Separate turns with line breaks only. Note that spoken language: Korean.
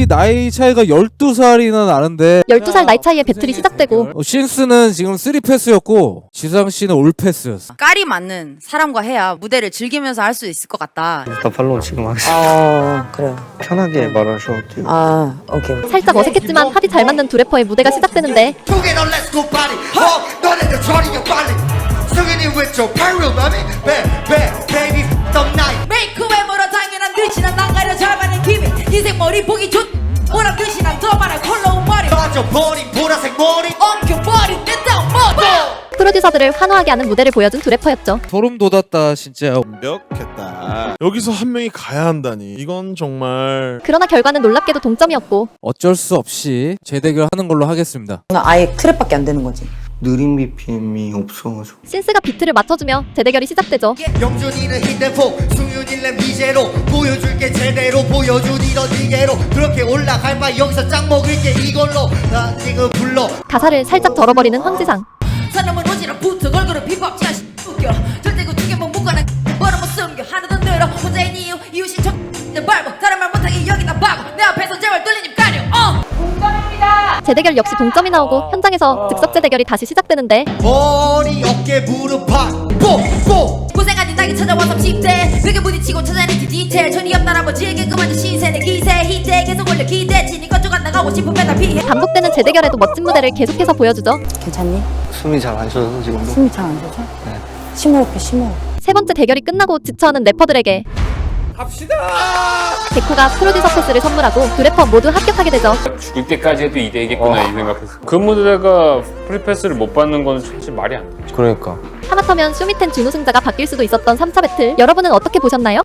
둘이 나이 차이가 12살이나 나는데
12살 나이 차이에 배틀이 시작되고
신스는 지금 3패스였고 지상씨는 올패스였어.
깔이 맞는 사람과 해야 무대를 즐기면서 할 수 있을 것 같다.
나 팔로우 지금 하겠습니다.
그래요.
편하게 말하셔도 돼요.
아, 오케이.
살짝 어색했지만 합이 잘 맞는 두 래퍼의 무대가 시작되는데
메이크업으로 당연한 듯이 난 난가려 잘 받는 기분 인생 머리 보기 좋 뭐라 듯이 난 더 많아 컬러운 머리
빠져버린 보라색 머리
엉켜버린 내 머리
프로듀서들을 환호하게 하는 무대를 보여준 두 래퍼였죠.
소름 돋았다 진짜.
완벽했다. 여기서 한 명이 가야 한다니 이건 정말.
그러나 결과는 놀랍게도 동점이었고
어쩔 수 없이 재대결 하는 걸로 하겠습니다.
아예 트랩밖에 안 되는 거지.
느린 BPM이 없어가지고
신스가 비트를 맞춰주며 재대결이 시작되죠.
영준이는 히든포 승윤이는 미제로 보여줄게 제대로 보여준 이런 이게로 그렇게 올라갈 바 여기서 짱 먹을게 이걸로 나 지금 불러
가사를 살짝 덜어버리는 황지상.
사람은 오지랖 붙어 걸그룹 힙합 잘 웃겨 절대 그 두개만 묶어놔 뭐라 못 숨겨 하나도 늘어 혼자인 이유 이웃이 내 발목 다른 말 못하게 여기다 박어 내 앞에서 제발 뚫린 입 가려
재대결 역시 동점이 나오고 현장에서 즉석 재대결이 다시 시작되는데
머리 어깨 무릎 팍뽀뽀
고생한 니 낙이 찾아와서 10대 벽에 부딪히고 찾아낸 그 디테일 전이 없는 아버지에게 그만둔 신세내 기세 히트 계속 올려 기대치 니 건조가 나가고 싶으면 다 피해
반복되는 재대결에도 멋진 무대를 계속해서 보여주죠.
괜찮니?
숨이 잘 안 쉬어서 지금도.
숨이 잘 안 쉬어져?
네.
심호흡해, 심호흡.
세 번째 대결이 끝나고 지쳐하는 래퍼들에게
갑시다.
데코가 프로듀서 패스를 선물하고 두 래퍼 모두 합격하게 되죠.
죽을 때까지 해도 2대이겠구나 이 생각했어. 그 무대가 프리패스를 못 받는 건 솔직히 말이 안 돼.
그러니까.
하마터면 쇼미텐 준우승자가 바뀔 수도 있었던 3차 배틀, 여러분은 어떻게 보셨나요?